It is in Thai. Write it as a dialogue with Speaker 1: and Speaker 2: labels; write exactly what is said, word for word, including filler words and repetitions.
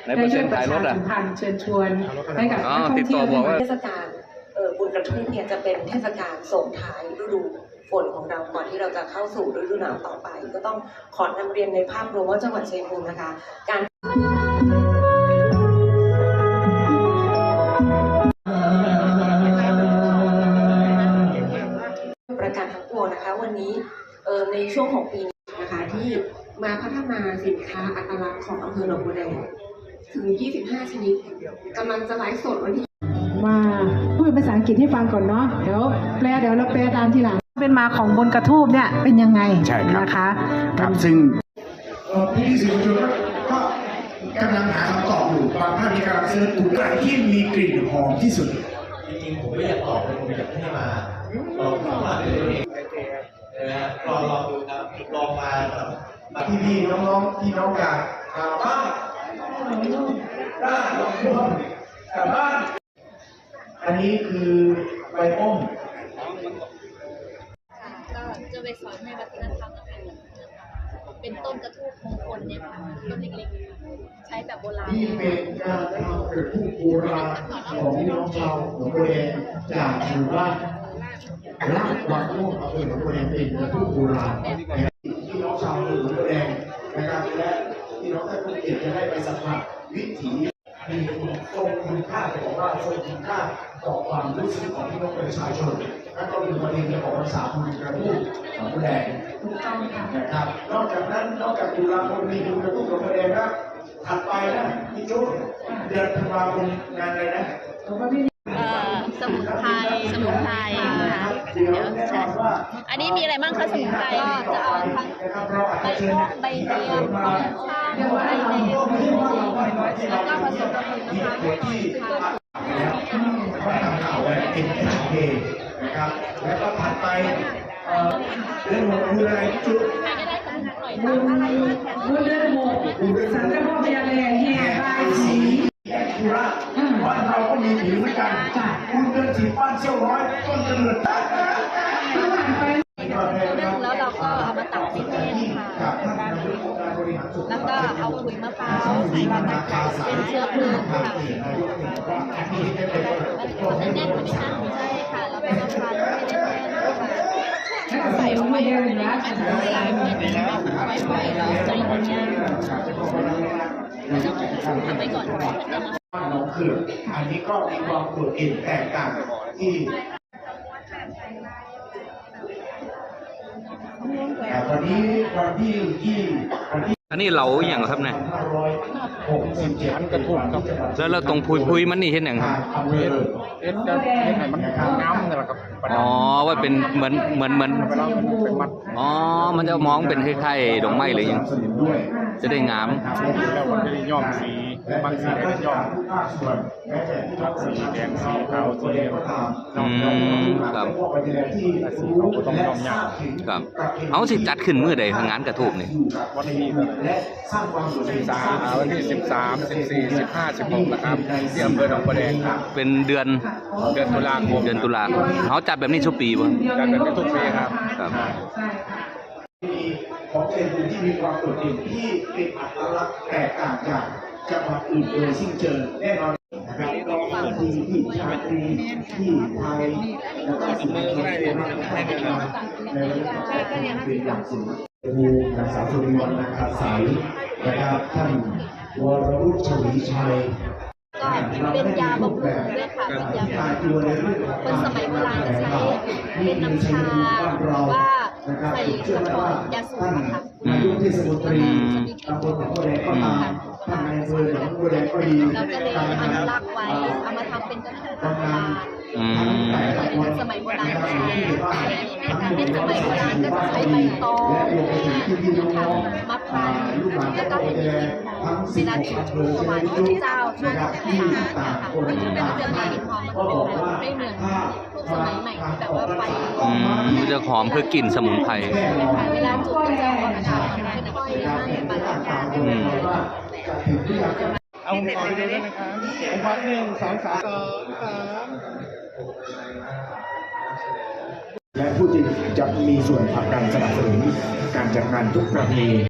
Speaker 1: ได้ช่วยประชาสัมพันธ์เชิญชวนให้กับนักท่องเที่ยว
Speaker 2: เทศกาลบุญกระทุ่มเนี่ยจะเป็นเทศกาลส่งท้ายฤดูฝนของเราก่อนที่เราจะเข้าสู่ฤดูหนาวต่อไปก็ต้องขอนำเรียนในภาพรวมว่าจังหวัดชัยภูมินะคะการประการทั้งปวงนะคะวันนี้ในช่วงของปีนี้นะคะที่มาพัฒนาสินค้าอัตลักษณ์ของอำเภอหนองบัวแดงถึงยี่สิบห้าชนิดกำลังจะไลฟ์สดวันที่
Speaker 1: มาพูดเป็นภาษาอังกฤษให้ฟังก่อนเนาะเดี๋ยวแปลเดี๋ยวเราแปลตามทีหลังเป็นมาของบนกระทูบเนี่ยเป็นยังไง
Speaker 3: ใช่ครับ
Speaker 1: นะคะ
Speaker 3: ครับซึ่งพี่สื่อมวลชนก็กำลังหาคำตอบอยู่บางท่านมีการเสิร์ชถูกไหนที่มีกลิ่นหอมที่สุด
Speaker 4: จริงๆผมไม่อยากตอบเลยผมอยากให้มาลองเข้ามาดูเองนะฮะลองลองดูครับลองมาแบบ
Speaker 3: พี่พี่น้องๆพี่น้องจากบ้านบ้านลองดูกับบ้านอันนี้คือใบอ้อม
Speaker 5: ก็จะไปสอนในวัฒนธรรมนะคะเป็นต้นกระทู้มงคลเนี่ยค่ะต้นเล็กๆใช้แบบโบราณ
Speaker 3: ที่เป็นการทำกระทู้โบราณของพี่น้องชาวหนองบัวแดงจากหมู่บ้านลาดวังม่วงอำเภอหนองบัวแดงเป็นกระทู้โบราณพี่น้องชาวหนองบัวแดงนะครับและพี่น้องท่านผู้เกียรติจะได้ไปสัมผัสวิถีมีทรงคุณค่าของว่าทรงคุณค่าต่อความรู้สึกของพี่น้องประชาชนและก็มีประเด็นของภาษาบุญกระทู้ของบัวแดงนะครับนอกจากนั้นนอกจากตุลาคมมีบุญกระทู้ของบัวแดงนะถัดไปนะพี่จุ๊เดือนธันวาคมงานอะไรนะ
Speaker 5: สมุนไพรสมุนไพรนะคะเดี๋ยวใช่อันนี้มีอะไรบ้างคะสมุนไพรก็จะเอาทั้งใบม่วงใบเดียวใบชาใบแดงแล้วก็ผสมกับน้ำมัน
Speaker 3: แล้วก็ทำข่าวไว้เป็นแอนเพย์นะครับแล้วก็ถัดไปเรื่องของคืออะไรจุ๊
Speaker 5: ใครก็ได้สักหน่อย
Speaker 1: บุญบุญเดือนหกสันเจ้าพ่อพญาแลแห่บายสี
Speaker 3: ธุระบ้านเราก็มีผีเหมือนกันคุณเดินถีบบ้านเชี่ยวร้อยต้นกระเดือด
Speaker 5: แล้วเราก็เอามาตัดที่แห้งค่ะแล้วก็เอาขุยมะพร้าวใส่ลงไปเป็นเชื้อเพลิงค่ะมันแน่นไหมคะใช่ค่ะเราเป็นมะพร้าวที่ไม่ได้แน่นค่ะใส่ลงไปเลยนะอันนี้ใส่ไม่ได้ไว้ไว้แล้วใส่เนี้ยทำไปก่อนจะมา
Speaker 3: น้องคืออันนี้ก็มีความโดดเด่นแตกต่างที่วันนี้วันที่ที่วันที่
Speaker 6: อันนี้เราอย่างครับเนี่ย
Speaker 3: อันกระทุ่มครับ
Speaker 6: แล้วเราตรงพุยพุยมันนี่เห็นอย่างครับ
Speaker 3: เอ็นจะเห็นไหนมันน้ำนี่แหละครับ
Speaker 6: อ๋อว่าเป็นเหมือนเหมือนเหมือนอ๋อมันจะมองเป็นคล้ายๆดอกไม้เลยยังจะได้งาม
Speaker 7: แล้วมันจะได้ย้อมสีบางสีก็ได้ย้อมสีแดงสีขาวสีเหลือง
Speaker 6: อืมครับ
Speaker 7: สีเขาก็ต้องย้อมยาก
Speaker 6: ครับเอาสิจัดขึ้นมื้อใดงานกระทูบนี่
Speaker 7: วันที่สิบสามวันที่สิบสามสิบสี่สิบห้าสิบหกนะครับที่อำเภอหนองบัวแดงครับ
Speaker 6: เป็นเดือน
Speaker 7: เดือนตุลาคม
Speaker 6: เดือนตุลาคมเขาจัดแบบนี้ทุกปีป่ะ
Speaker 7: จัดแบบนี้ทุกปีครับ
Speaker 6: ครับ
Speaker 3: ของเป็นพื้นที่มีความโดดเด่นที่เป็นอัตลักษณ์แตกต่างจากจังหวัดอื่นโดยสิ้นเชิงแน่นอนนะครับเราที่ที่ชาตรีที่ไทยแล้วก็สิ่งที่เราได้ในระดับเป็นอย่างสูงภูมินางสาวสุริวัฒน์นาคาสายนะครับท่านวรวุฒิชวีชัย
Speaker 5: ก็เป็นยาบำรุงด้วยค่ะเป็นยาบำรุงคนสมัยโบราณจะใช้เป็นน้ำชาว่าใส่กระป๋องยาสูบค่ะ
Speaker 3: นายกเทศมนตรีตำบลหนองบัวแดงก็ตามท่านนายอำเภอหนองบัวแดงก็ดี
Speaker 5: เราก็เลยอนุรักษ์ไว้เอามาทำเป็นกระทงโบราณสมัยโบราณใช้เป็นสมัยโบราณก็จะใช้ใบตองมะพร้าวแล้วก็เห็ดเวลาจุดถวายพระเจ้าช่วงต่างๆมันจะเป็นเรื่องในหินหอมมันเป็นไม่เหมือนสมัยใหม่แบบว่าไฟ
Speaker 6: มันจะหอมเพื่อกลิ่นสมุนไพร
Speaker 5: เวลาจุดก็จะออกอากาศค่อยๆให้ปลา
Speaker 7: เอาขอไปดูด้วยนะครับวัดหนึ่งสองสามสองสาม
Speaker 3: และผู้ที่จะมีส่วนผลักดันสนับสนุนการจัดงานทุกประเพณี